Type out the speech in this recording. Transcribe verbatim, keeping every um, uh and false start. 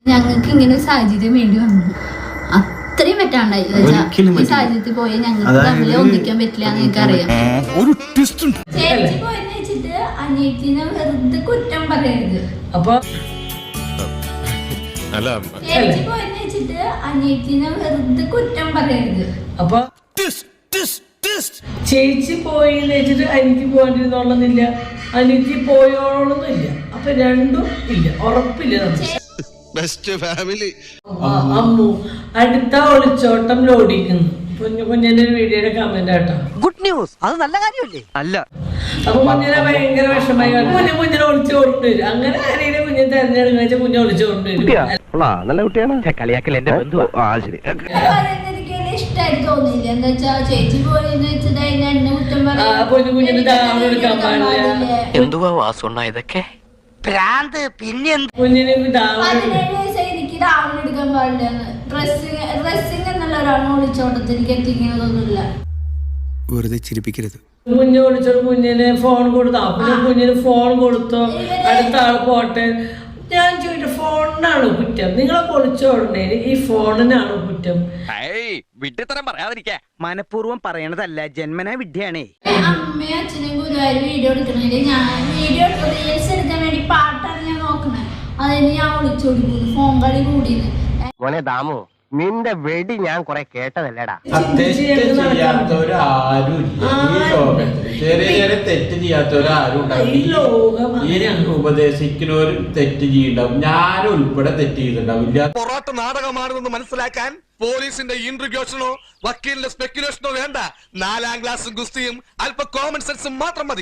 ഞങ്ങൾക്ക് ഇങ്ങനെ ഒരു സാഹചര്യം വേണ്ടി വന്നു. അത്രയും പറ്റാണ്ടായി ഈ സാഹചര്യത്തിൽ പോയി ഞങ്ങൾക്ക് തമ്മിൽ ഒന്നിക്കാൻ പറ്റില്ല എന്ന് എനിക്കറിയാം. ചേച്ചി പോയെന്ന് വെച്ചിട്ട് അനിയത്തിനെ വെറുതെ കുറ്റം പറയരുത്. അപ്പൊ ചേച്ചി പോയെന്ന് വെച്ചിട്ട് അനിയത്തിനെ വെറുതെ കുറ്റം പറയരുത്. അപ്പൊ ചേച്ചി പോയി വെച്ചിട്ട് അനിയത്തി പോകാണ്ടിരുന്നോളന്നില്ല, അനിയത്തി പോയോളൊന്നുമില്ല. അപ്പൊ രണ്ടും ഇല്ല, ഉറപ്പില്ല. അമ്മു അടുത്ത ഒളിച്ചോട്ടം ലോഡിക്കുന്നു. കുഞ്ഞു കുഞ്ഞിന്റെ ഒരു വീഡിയോയുടെ കമന്റ് ആട്ടോ. ഗുഡ് ന്യൂസ്, അത് നല്ല കാര്യമല്ലേ? അല്ല. അപ്പൊ കുഞ്ഞിനെ ഭയങ്കര വിഷമായി. കുഞ്ഞു കുഞ്ഞിനെ ഒളിച്ചു കൊണ്ടുവരും. അങ്ങനെ ആരെയും കുഞ്ഞിനെ തെരഞ്ഞെടുക്കുന്ന വെച്ചാൽ കുഞ്ഞെ ഒളിച്ചു കൊണ്ടുവരും. നല്ല കുട്ടിയാണ്. കളിയാക്കൽ എന്റെ ബന്ധു. ആ ശരി. ഇഷ്ടമായിട്ട് തോന്നിയില്ല. എന്താ വെച്ചാ ചേച്ചി പോയെന്ന് വെച്ചത് അതിന് എന്നെ കുറ്റം പറയാം. കുഞ്ഞു കുഞ്ഞിന് ദാവണം എടുക്കാൻ പാടില്ല. എന്തുവാ വാസുണ്ണ ഇതൊക്കെ? ഭ്രാന്ത്. പിന്നെ കുഞ്ഞിന് ദാവണം പതിനേഴ് വയസ്സായി എനിക്ക് ദാവണം എടുക്കാൻ പാടില്ല. ഡ്രസ്സിങ് ഡ്രസ്സിങ് എന്നുള്ള ഒരാളെ ഒളിച്ചോട്ടത്തിൽ എനിക്ക് എത്തിക്കുന്നതൊന്നുമില്ല. വെറുതെ ചിരിപ്പിക്കരുത്. കുഞ്ഞ് വിളിച്ചോ, കുഞ്ഞിന് ഫോൺ കൊടുത്തോ? പിന്നെ കുഞ്ഞിന് ഫോൺ കൊടുത്തോ? അടുത്ത ആൾ പോട്ടെ. ഞാൻ ചോദിച്ചു, ഫോണിനാണ് കുറ്റം? നിങ്ങളെ പൊളിച്ചോടണേ ഈ ഫോണിനാണ് കുറ്റം? വിഡ്ഢിത്തരം പറയാതിരിക്കാ. മനഃപൂർവ്വം പറയണതല്ല, ജന്മനാ വിഡ്ഢിയാണേ. അമ്മയും അച്ഛനും ഗുരുവായൂർ വീഡിയോ എടുക്കണേല് ഞാൻ വീഡിയോ റീൽസ് എടുക്കാൻ വേണ്ടി പാട്ടാണ് ഞാൻ നോക്കണേ. അതിന് ഞാൻ വിളിച്ചോടിക്കുന്നു. ഫോൺ കളി കൂടിയത്. മോനെ ദാമു, നിന്റെ വെടി ഞാൻ കൊറേ കേട്ടതല്ലേടാ. തെറ്റ് ചെയ്യാത്തവരാരും ഈ ലോകത്ത്. ചെറിയ ചെറിയ തെറ്റ് ചെയ്യാത്തവരാരും ഉണ്ടാവും. ഉപദേശിക്കുന്നവരും തെറ്റ് ചെയ്യണ്ടാവും. ഞാനും ഉൾപ്പെടെ തെറ്റ് ചെയ്തിട്ടുണ്ടാവില്ല. പൊറോട്ട നാടകമാണെന്ന് മനസ്സിലാക്കാൻ പോലീസിന്റെ ഇൻട്രിഗ്യൂഷനോ വക്കീലിന്റെ സ്പെക്യുലേഷനോ വേണ്ട. നാലാം ക്ലാസ്സും ഗുസ്തിയും അല്പ കോമൺ സെൻസും മാത്രം മതി.